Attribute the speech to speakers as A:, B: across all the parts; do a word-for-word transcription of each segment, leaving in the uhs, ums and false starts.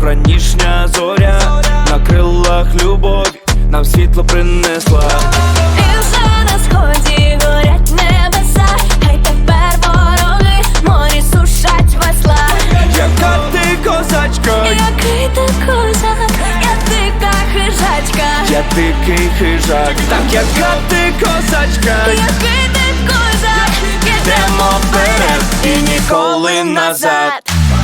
A: вранішня зоря, на крилах любові нам світло принесла.
B: І вже на сході горять небеса, хай тепер вороги морі сушать весла.
A: Яка ти козачка,
B: Який ти козак, я дика хижачка.
A: я дикий хижак. Так, яка ти козачка,
B: Який ти козак,
A: йдемо вперед і ніколи назад.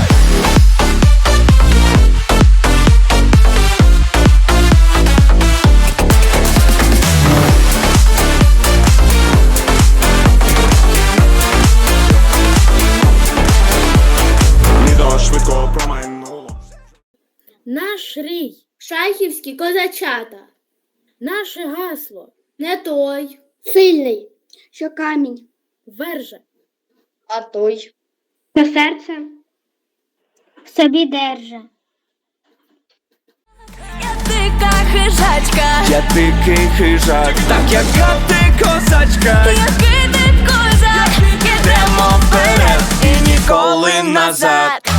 C: Швидко промайнуло.
D: Наш рій, шайхівські козачата. Наше гасло не той,
E: Сильний, що камінь,
D: верже.
E: а той,
F: що серце в собі держа.
B: я дика хижачка.
A: Я дикий хижак. Так, яка ти козачка,
B: Який ти козак,
A: йдемо вперед і ніколи назад.